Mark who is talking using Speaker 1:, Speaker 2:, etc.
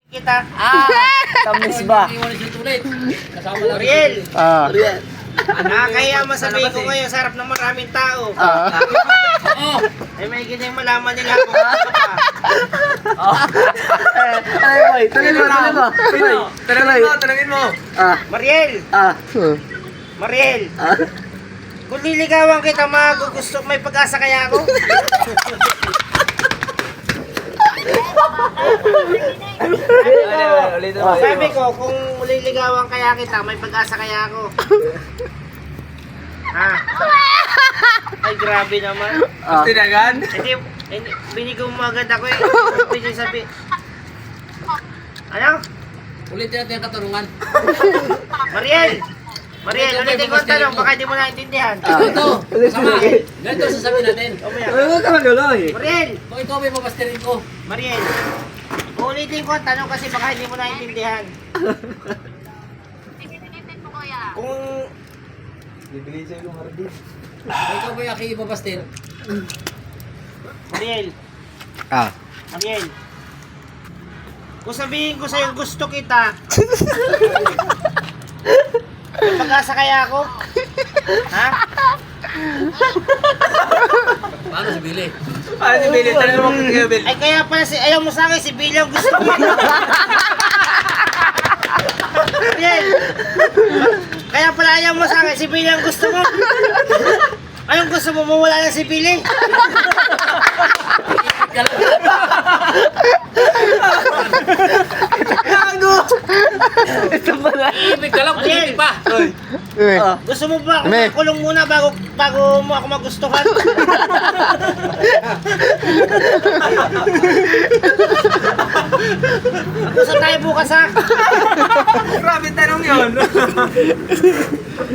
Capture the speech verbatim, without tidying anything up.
Speaker 1: Kita.
Speaker 2: Ah, tamis ba?
Speaker 1: Ariel.
Speaker 2: Ah.
Speaker 1: Nakakaya masabihin ko ngayon sa harap ng maraming tao.
Speaker 2: Ah.
Speaker 1: Oo. Ay may ganyan malaman nila kung ano pa.
Speaker 2: Ay, boy, tuloy mo, tuloy mo. Tuloy.
Speaker 3: Tanungin mo, tanungin mo.
Speaker 2: Ah.
Speaker 1: Mariel.
Speaker 2: Ah.
Speaker 1: Mariel.
Speaker 2: Ah.
Speaker 1: Kung liligawan kita, magugusto, may pag-asa kaya ako?
Speaker 3: Ulitin mo.
Speaker 1: Sabi ko, kung liligawan kaya kita, may pag-asa kaya ako. Ha? Ay, grabe naman.
Speaker 2: Ah.
Speaker 3: Tinagan?
Speaker 1: Hindi, hindi, binigaw mo agad ako eh. Pwede sabi. Ano?
Speaker 4: Ulitin natin ang katanungan.
Speaker 1: Mariel! Mariel, ulitin ko ang tanong, baka hindi mo naintindihan.
Speaker 4: Ganito,
Speaker 2: Ulit
Speaker 4: sama.
Speaker 2: sige.
Speaker 4: Ganito sasabihin natin.
Speaker 1: Mamaya.
Speaker 2: Ay, huwag ka magulo eh.
Speaker 1: Mariel!
Speaker 4: Kung ikaw may papastirin ko,
Speaker 1: Mariel! Ulitin ko ang tanong kasi baka hindi mo naintindihan. Kung
Speaker 3: Bibigay sa'yo yung hardin.
Speaker 4: kung ikaw may aki ipapastir,
Speaker 1: Mariel,
Speaker 2: Ah.
Speaker 1: Mariel. Kung sabihin ko sa'yo gusto kita, may pag-asa kaya ako? Ha?
Speaker 4: paano si Billy?
Speaker 3: Ano si Billy? Tanungin mo kung Billy.
Speaker 1: Ay kaya pala si, ayaw mo sa akin, si Billy ang gusto mo. Mariel! Kaya pala ayaw mo sa akin, si Billy ang gusto mo. Anong gusto mo? Mawala na si Billy?
Speaker 2: Gago! Ito pala.
Speaker 4: Iibig ka lang,
Speaker 1: Mariel!
Speaker 4: hindi pa.
Speaker 2: Ah.
Speaker 1: Gusto mo ba ako
Speaker 2: Ame.
Speaker 1: makulong muna bago bago mo ako magustuhan? Gusto tayo bukas ha?
Speaker 3: Grabe tanong yun.